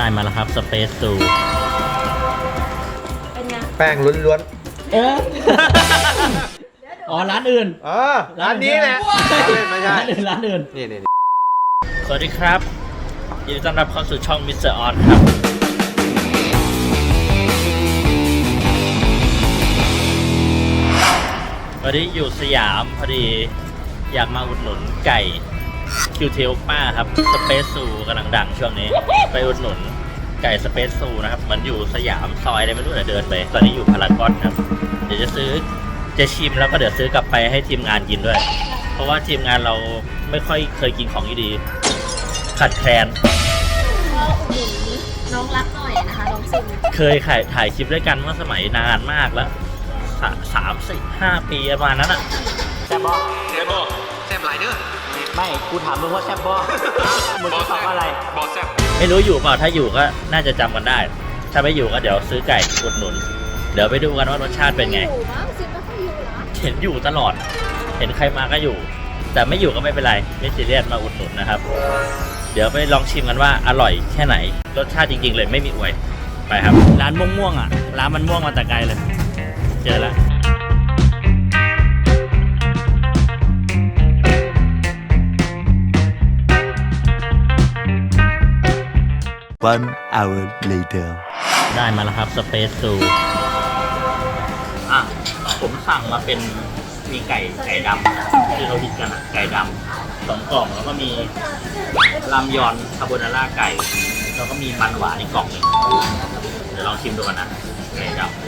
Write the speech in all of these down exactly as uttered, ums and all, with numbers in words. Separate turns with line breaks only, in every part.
มาแล้วครับสเปซซู
เป็นไง
แป้งล้วน
เอออ๋อร้านอื่น
ๆอ๋อร้านนี้แหละไม่ใช่
ร้านอื่นร้านอื่น
นี่นี่
สวัสดีครับยินดีต้อนรับเข้าสู่ช่องมิสเตอร์ออนครับวันนี้อยู่สยามพอดีอยากมาอุดหนุนไก่คิวเทลป้าครับสเปซซูกำลังดังช่วงนี้ไปอุดหนุนไก่สเปซซูนะครับเหมือนอยู่สยามซอยอะไรไม่รู้เดินไปตอนนี้อยู่พารากอนครับเดี๋ยวจะซื้อจะชิมแล้วก็เดี๋ยวซื้อกลับไปให้ทีมงานกินด้วยเพราะว่าทีมงานเราไม่ค่อยเคยกินของดีๆขัดแคลน
ก็อุดหนุนน้องรักหน่อยนะคะน้องซิม
เคยถ่ายถ่ายคลิปด้วยกันเมื่อสมัยนานมากแล้วสามสี่ห้าปีประมาณนั้นอะแซ่บบอแซ่บบอ
แซ่บหลายเด้อ
ไม่กูถามมึงว่าแซ่บบอมึงจะตอบอะไร
บอแซ่บ
ไม่รู้อยู่เปล่าถ้าอยู่ก็น่าจะจำกันได้ถ้าไม่อยู่ก็เดี๋ยวซื้อไก่อุดหนุนเดี๋ยวไปดูกันว่ารสชาติเป็นไงเห็นอยู่ตลอดเห็นใครมาก็อยู่แต่ไม่อยู่ก็ไม่เป็นไรไม่ซีเรียสมาอุดหนุนนะครับเดี๋ยวไปลองชิมกันว่าอร่อยแค่ไหนรสชาติจริงๆเลยไม่มีอวยไปครับร้านม่วงม่วงอ่ะร้านมันม่วงมาแต่ไกลเลยเจอแล้ว
One hour later
ได้มาแล้วครับสเปซซูอ่ะผมสั่งมาเป็นมีไก่ไก่ดำที่เราฮิตกันอ่ะไก่ดำสองกล่องแล้วก็มีรามยอนคาโบนาร่าไก่แล้วก็มีมันหวานอีกกล่องหนึ่งเดี๋ยวลองชิมดูกันนะไก่ดำ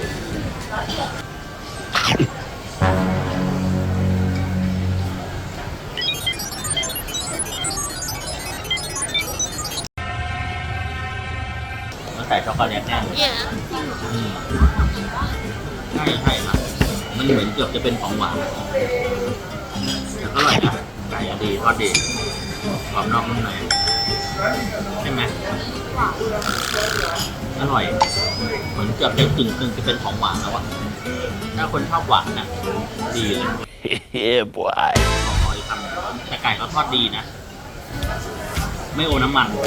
ใส่ช็อกโกแลตแน่เลยใช่ใช่ครับมันเหมือนเกือบจะเป็นของหวานแต่ก็อร่อยนะไก่ดีทอดดีกรอบนอกนุ่มในใช่ไหมอร่อยเหมือนเกือบจะกึ่งกึ่งจะเป็นของหวานแล้วอะถ้าคนชอบหวานนะดีเลยเฮ้ยบอยขออีกคำแต่ไก่ก็ทอดดีนะไม่โอน้ำมัน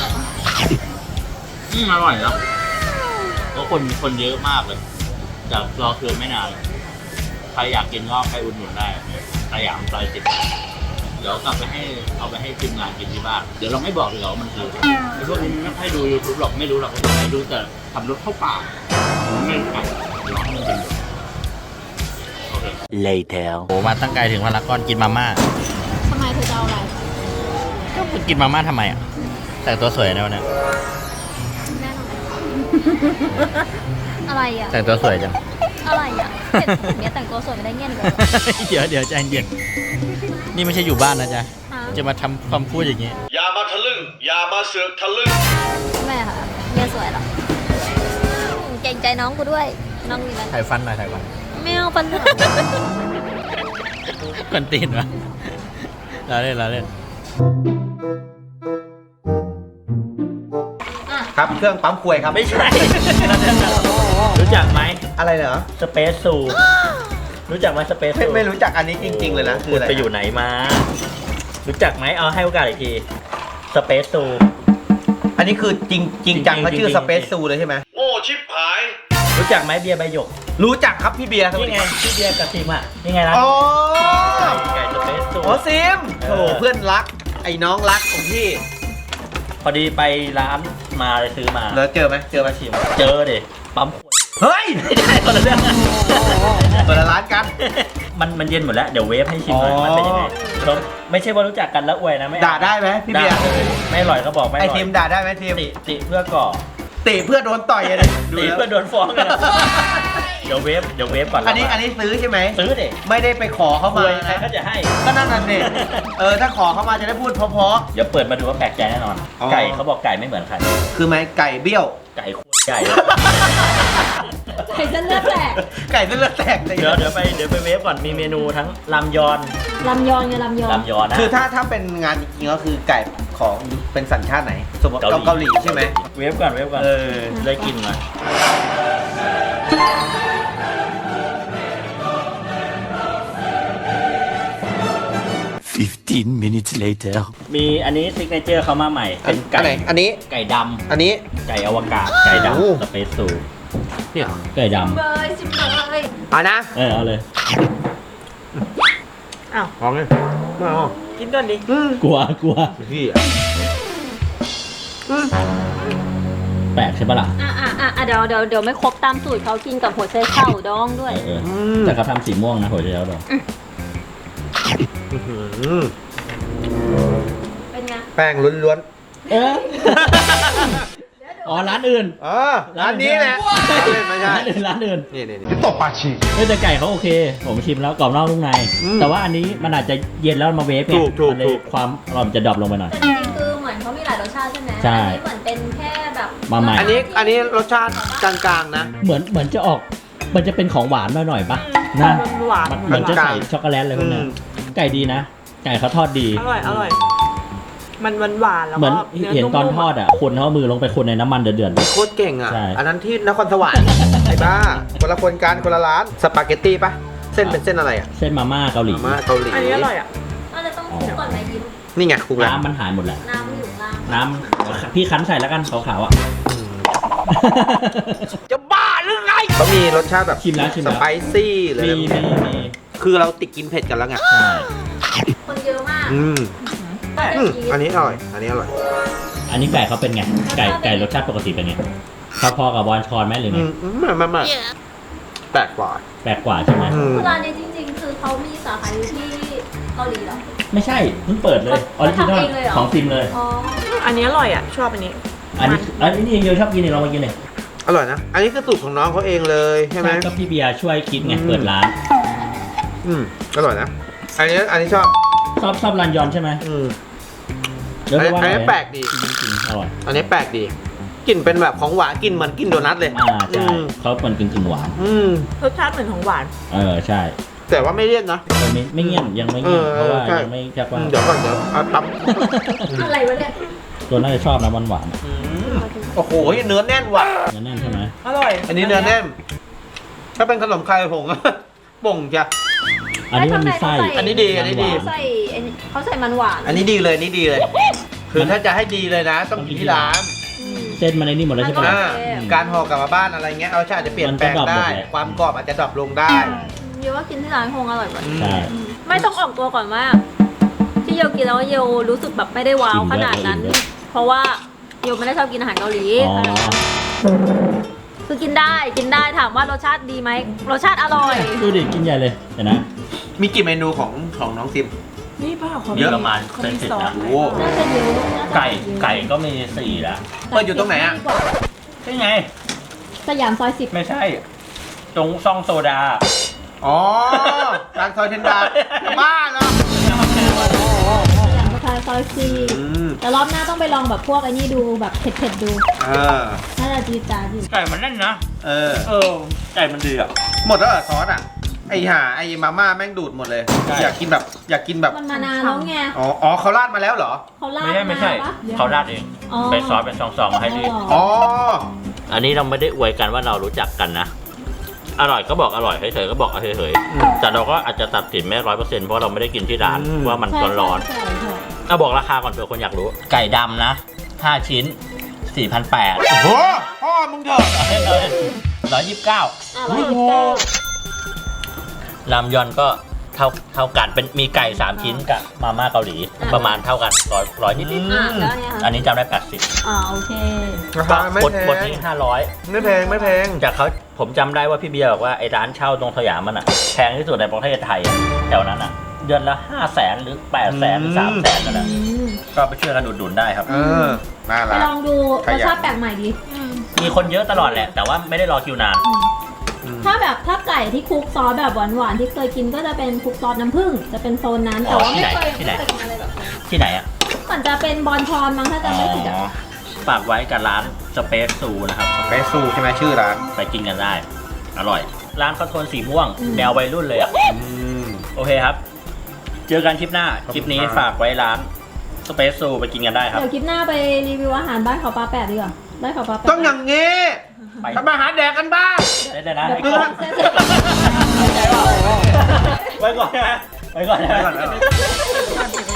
อืมอร่อยแล้วก็คนคนเยอะมากเลยจะรอคิวไม่นานใครอยากกินก็ไปอุดหนุนได้สยามซอยสิบเดี๋ยวกลับไปให้เอาไปให้ทีมงานกินที่บ้านเดี๋ยวเราไม่บอกเลยว่ามันคือไอ้พวกนี้ไม่ให้ดูยูทูบหรอกไม่รู้หรอกว่าไม่รู้แต่ทำรถเข้าป่าไม่รู้กันร้องมันเป็นโอเค
later
โอ้มาตั้งไกลถึงพารากอนกินมาม่า
ทำไมเธอจะเอาอะไร
ก็กินมาม่าทำไมอ่ะแต่ตัวสวยนะวันนี้
อะไรอ่ะ
แต่งตัวสวยจัง
อะไรอ่ะเนี้ยแต่งตัวสวยไม่ได้เงี้ยเลย
เดี๋ยวเดี๋ยวใจเย็นนี่ไม่ใช่อยู่บ้านนะจ๊ะจะมาทำความพูดอย่างนี้
อย่ามาทะลึ่งอย่ามาเสือกทะลึ่ง
แม่ค่ะเมียสวยหรอเก่งใจน้องกูด้วยน้องมีอะไร
ถ่ายฟันหน่อยถ่ายฟัน
ไม่เอาฟัน
คนตีนวะเราเล่นเราเล่น
ครับเครื่องปั๊มควยครับ
ไม่ใช่รู้จักไหม
อะไรเหรอ
สเปซซูรู้จักไหมสเปซซู
ไม่รู้จักอันนี้จริงๆเลยนะคืออะไร
ไปอยู่ไหนมารู้จักไหมเอาให้โอกาสอีกทีสเปซซู
อันนี้คือจริงจริงจังเขาชื่อสเปซซูเลยใช่ไหมโอ้ชิบหาย
รู้จักไหมเบียร์ใบหยก
รู้จักครับพี่เบียร์
นี่ไงพี่เบียร์กับซิมอ่ะนี่ไงล่ะ
อ๋อ
ไก่สเปซซู
อ๋อซิมโถเพื่อนรักไอ้น้องรักของพี่
พอดีไปร้านมาเลยซื้อมา
แล้วเจอไหมเจอมาชิม
เจอดิปั๊ม
เฮ้ย
ไม่ได้คนละเรื่อง
คนละร้านกัน
มันมันเย็นหมดแล้วเดี๋ยวเวฟให้ชิมหน่อยมันเป็นยังไงไม่ใช่ว่ารู้จักกันแล้วอวยนะไม่
ด่าได้ไหมพี่เบียร์
ไม่อร่อยก็บอกไม่อร่อย
ไอทีมด่าได้ไหมทีม
ติติเพื่อก่อ
ติเพื่อโดนต่อยเลย
ติเพื่อโดนฟ้องกันเดี๋ยวเวฟเดี๋ยวเวฟก่อน
อันนี้อันนี้ซื้อใช่ไหม
ซื้อดิ
ไม่ได้ไปขอเขามา
ใครก็จะให้
ก็นั่นน่ะสิเออถ้าขอเขามาจะได้พูดเพราะ
ๆเดี๋ยวเปิดมาดูว่าแปลกใจแน่นอนไก่เขาบอกไก่ไม่เหมือนใคร
คือไหมไก่เบี้ยว
ไก่ไก่
ไก่เส้นเลือดแตก
ไก่เส้นเลือดแตก
เดี๋ยวเดี๋ยวไปเดี๋ยวไปเวฟก่อนมีเมนูทั้งลำยอน
ลำยอนไงลำยอน
ลำยอนนะ
คือถ้าถ้าเป็นงานจริงๆก็คือไก่ของเป็นสัญชาติไหนสมมติเกาหลีใช่ไหม
เวฟก่อนเวฟก่อน
เออ
ได้กินมา
fifty Fifteen minutes later.
มีอันนี้ซิกเนเจอร์เขามาใหม่ เป็น
อั
ไก่
นไหนอันนี้
ไก่ดำ
อันนี้
ไก่อวกาศ ไก่
โอ้
ดำสเปซซู
เนี่ย
ไก่ด
เบยสิบเลย
เอานะ
ำเออเอาเลย
อ้าว
ลองเลยไม่เอา
กินก่อนดิ
อืม
กลัวกลัว
พี่
แปลกใช่ปะล่ะ
อ่ะอ่ะอ่ะอ่ะเดี๋ยวเดี๋ยวเดี๋ยวไม่ครบตามสูตรเขากินกับหัวไชเข่าดองด้วย
เออเออแต่เขาทำสีม่วงนะหัวใจแล้วดอก
อื้อหือ
เป็นไง
แป้งล้วน
เอออ๋อร้านอื่น
ๆอ๋อร้านนี้แหละไม่ใช่
ร้านอื่นร้านอื่น
นี่นี่นี่ตบปาชี
เฮ้ยแต่ไก่เขาโอเค ผมชิมแล้วกรอบนอกนุ่มใน
อืม
แต่ว่าอันนี้มันอาจจะเย็นแล้วมาเวฟไง
ถูกถูก
มันเลย
ถูก
ความอร่อยมันจะดรอปลงไปหน่อย
แต่จริงๆคือเหมือนเขามีหลายรสชาติใช่ไหม
ใช่
อันนี้เหมือนเป็นแค่แบบ
มาใหม่
อันนี้อันนี้รสชาติกลางๆนะ
เหมือนเหมือนจะออก มันจะเป็นของหวานหน่อยๆปะนะ
หวาน
มันเหมือนจะใส่ช็อกโกแลตอะไรพวกเนี้ย
อืม
ไก่ดีนะ ไก่เขาทอดดี
อร่อยอร่อย มันหวานหวานๆแล้ว
เหมือน
ก็
เห็นตอนทอดอ่ะ คนเขาเอามือลงไปคนในน้ำมันเดือด
โคตรเก่งอ่ะ
ใช่
อันนั้นที่นครสวรรค์ ไอ้บ้า คนละคนกันคนละร้าน สปาเกตตี้ปะเส้นเป็นเส้นอะไรอ่ะ
ๆเส้นมาม่าเกาหลี
มาม่าเกาหลี
อันนี้อร่อยอ่ะ
ก็เลยต้องคลุกก่อนไหมยิ้ม
นี่ไงครูแล้ว
น้ำมันหายหมดแหละ
น้ำมันอยู่ข้างล่าง
น้ำพี่คั้นใส่แล้วกันขาวๆอ่ะ
จะบ้าหรือไงเขามีรสชาติแบบ
ชิมแล้วชิม
ส
แล้ว
ไปซี่หรือ
มี
อะไร
มีมี
คือเราติดกินเผ็ดกันแล้วไง
ใช่
คนเยอะมาก
อืม
ก็จะ
อืม
ชี
อัน
ส
นี้อร่อย อันนี้อร่อย
อันนี้ไก่เขาเป็นไง ไก่ไก่รสชาติปกติเป็นไงเขาพอกับบอลชอนไหมหรือ
อื
ไง
มไม่ไม่ไม่แปลกกว่า
แปลกกว่าใช่ไหม
อืม
คือร้านนี้จริงๆ คือเขามีสาขาอยู่ที่เกาหลีเหรอ
ไม่ใช่เพิ่งเปิดเลยออริจินอล
ทำเองเลยเหรอ
ของซิมเลย
อ๋อ
อันนี้อร่อยอ่ะ ชอบอันนี้
อันนี้อันนี้ยังเยอะชอบกินเนี่ยเรามากินเลย
อร่อยนะ อันนี้คือสูตรของน้องเขาเองเลยใช่ไหม
ก็พี่เบียร์ช่วยคิดไง
อืม
เปิดร้าน
อืมอร่อยนะ อันนี้อันนี้ชอบ
ชอบชอบรันยอนใช่ไหม
อืม
เดี๋ยว
อันนี้
ว่า
อันนี้
ไง
แปลกดี
จริงๆอร่อย
อันนี้แปลกดีกลิ่นเป็นแบบของหวานกลิ่นเหมือนกินโดนัทเลย
อ่าใช่
อืม
เขาเป็นกึ่งกึ่งๆหวาน
อืม
รสชาติเหมือนของหวาน
เออใช่
แต่ว่าไม่เลี่ยนนะ
แต่ไม่ไม่เงียบยังไม่เงียบ
เออ
เพราะว่า
ใช่
ยังไม่แค่ว่า
อืมเดี๋ยวก่อนเดี๋ยวเอาตับ
อะไรวะเนี่ย
ตัวน่าจะชอบนะหวานหวาน
อืมโอ้โหเนื้อแน่นว่ะ
ๆนั่นใช่ไหม
อร่อย
อันนี้เนื้อแน่น ถ้าเป็นขนมไข่ผง ป่งจ้ะ
อันนี้มันมีไส้
อันนี้ดีอันนี้ดี
เขาใส่ไอ้นี่เขาใส่มันหวาน
อันนี้ดีเลยอันนี่ดีเลย คือถ้าจะให้ดีเลยนะ ต้องกินที่ร้าน
อืม
เส้นมันในนี่หมดแล้วใช่ปะ
มัน
อ่า
โอเค
การห่อกลับมาบ้านอะไรเงี้ยเอาชาติจะเปลี่ยนแปลง
มันจะดรอปหม
ได้
ดเลย
ความกรอบอาจจะดรอปลงได้
เยอะว่ากินที่ร้านคงอร่อยกว่า
อืม
ใช่
ไม่ต้องออกตัวก่อนว่า ที่โยกินแล้วโยรู้สึกแบบไม่ได้ว้าวขนาดนั้น เพราะว่าโยไม่ได้ชอบกินอาหารเกาหลี
อ๋อ
คือกินได้กินได้ถามว่ารสชาติดีไหมรสชาติอร่อย
ดูดิกินใหญ่เลยเห็นนะ
มีกี่เมนูของของน้องซิม
นี่เปล่าเขา
เยอะ
ประมาณ
เขา
เป็น
มี
สิบ
ซอส
นะ
โอ้
น่าจะเยอะน่าจะ
ไก่ไก่ก็มีสี่ละ
เปิดอยู่ตรงไหนอะ
ดีกว่า
ใช่ไง
สยามซอยสิบ
ไม่ใช่ ตรงซองโซดา
อ๋อร้านซอยเทนดาจะบ้าเหรอ
สยามสแควร์ซอยสี่
อืม
แต่รอบหน้าต้องไปลองแบบพวกไอ้นี่ดูแบบเผ็ดๆดู
เออ
น่าจะจีดจ้าดอยู่
ไก่มันแน่นนะ
เออ
เออ ไก่มันดีอ่ะ
หมดแล้วเหรอซอสอ่ะ ไอห่าไอมาม่าแม่งดูดหมดเลย
ใช่
อยากกินแบบอยากกินแบบ
มันมานานแล้วไง
อ๋ออ๋อเขาราดมาแล้วเหรอ
เขาลาด
ไม่ใช่ไม่ใช่
าปะ
เขาราดเอง
อ๋อ
เป็นซอสเป็นซองๆมาให้ดี
อ๋อ
อันนี้เราไม่ได้อวยกันว่าเรารู้จักกันนะ อร่อยก็บอกอร่อยเฉยๆก็บอกเฉย
อืม
ๆแต่เราก็อาจจะตัดสินไม่ร้อยเปอร์เซ็นต์เพราะเราไม่ได้กินที่ร้าน
อืม
ว่ามัน
ใช่
ร้อน
ใช่ใช่
ๆเอาบอกราคาก่อนเผื่อคนอยากรู้ ไก่ดำนะห้าชิ้นสี่พันแปด
โอ้โหพ่อมึงเถอะ
ร้อยยี่สิบเก้า
อ่ะร้อยยี่สิบเก้า
ลำยอนก็เท่าเท่ากันเป็นมีไก่สามชิ้นกับมาม่าเกาหลี ประมาณเท่ากันร้อยร้อยนิด
อืม
อ่ะแล้วเนี่ย
ๆ
ค่ะ
อันนี้จำได้แปดสิบ
อ่าโอเค
รา
ก็
คาไม่
หมด
แพ
หมด
ง
ที่ห้าร้อย
ไม่แพงไม่แพง
จากเขาผมจำได้ว่าพี่เบียร์บอกว่าไอ้ร้านเช่าตรงสยามมันอ่ะแพงที่สุดในประเทศไทยอะแถวนั้นอ่ะ เดือนละห้าแสนหรือแปดแสนหรือสามแสนนั่นแหละ
อืม
ก็ไปช่วยกันอุดหนุนได้ครับ
เออน่า
ไป
รัก
ลองดู
ข
ร
ยัน
สชาติแปลกใหม่ดี
มีคนเยอะตลอดแหละ แต่ว่าไม่ได้รอคิวนาน
อืม
ถ้าแบบถ้าไก่ที่คลุกซอสแบบหวานๆที่เคยกินก็จะเป็นคลุกซอสน้ำผึ้งจะเป็นโซนนั้น
อ๋
แต่
อ
ว่าไม่เคย
ที่
ไม่
ไหน
เคยกินอะไรแบบนั้น
ที่ไหนอ่ะ
มันจะเป็นบอลชอนมั้งถ้า
อ๋
จำไม่ผิดอ่ะ
อฝากไว้กับร้านสเปซซูนะครับ
เปซูใช่ไหมชื่อร้าน
ไปกินกันได้ อร่อย ร้านเขาโทนสีม่วง แนววัยรุ่นเลยอ่ะ
อืม
โอเคครับ เจอกันคลิปหน้า คลิปนี้
ขอบคุณครับ
ฝากไว้ร้านสเปซซูไปกินกันได้ครับ
เดี๋ยวคลิปหน้าไปรีวิวอาหารบ้านเขาปลาแปดดีกว่าบ้านเขาปลาแปด
ต้องอย่างงี้
ไป
ทำอาหารแดกกันบ้าง
ได้เลยนะ
เดี๋ยว
ไอ้กล้อง
เส้นๆ
ไว้ก่อนนะไว้ก่อนนะ
ไปก่อนแล้ว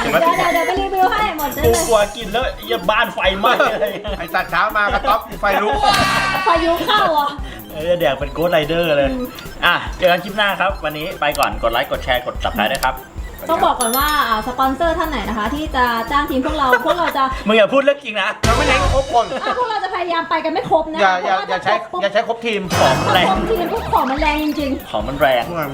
เดี๋ยวมา
เดี๋ยวเดี๋ยวเดี๋ยวไปรีวิวให้หมดได้
กู
เลย
กลัวกินแล้วอย่าบ้านไฟไหม้อะไร
ไอ้ตัดเช้ามากระต๊อบไฟลุก
พายุเข้าอ่ะ
เออแดกเป็นโกดไรเดอร์เลย อ่ะเจอกันคลิปหน้าครับ วันนี้ไปก่อนกดไลค์กดแชร์กด ซับสไครบ์ด้วยครับ
ต้องบอกก่อนว่าอ่าสปอนเซอร์ท่านไหนนะคะ ที่จะจ้างทีมพวกเรา พวกเราจะ
มึงอย่าพูดเรื่องจริงนะ
เราไม่เน้นครบคน
อ่าพวกเราจะพยายามไปกันไม่ครบนะ
อย่าอย่า
เพระว่
อย่าใช้
ถ้ครบปุ๊บ
อย่าใช้ครบทีม
ของ
ถ้า
แรง
ครบทีมพวกของมันแรงจริง
ของมันแรง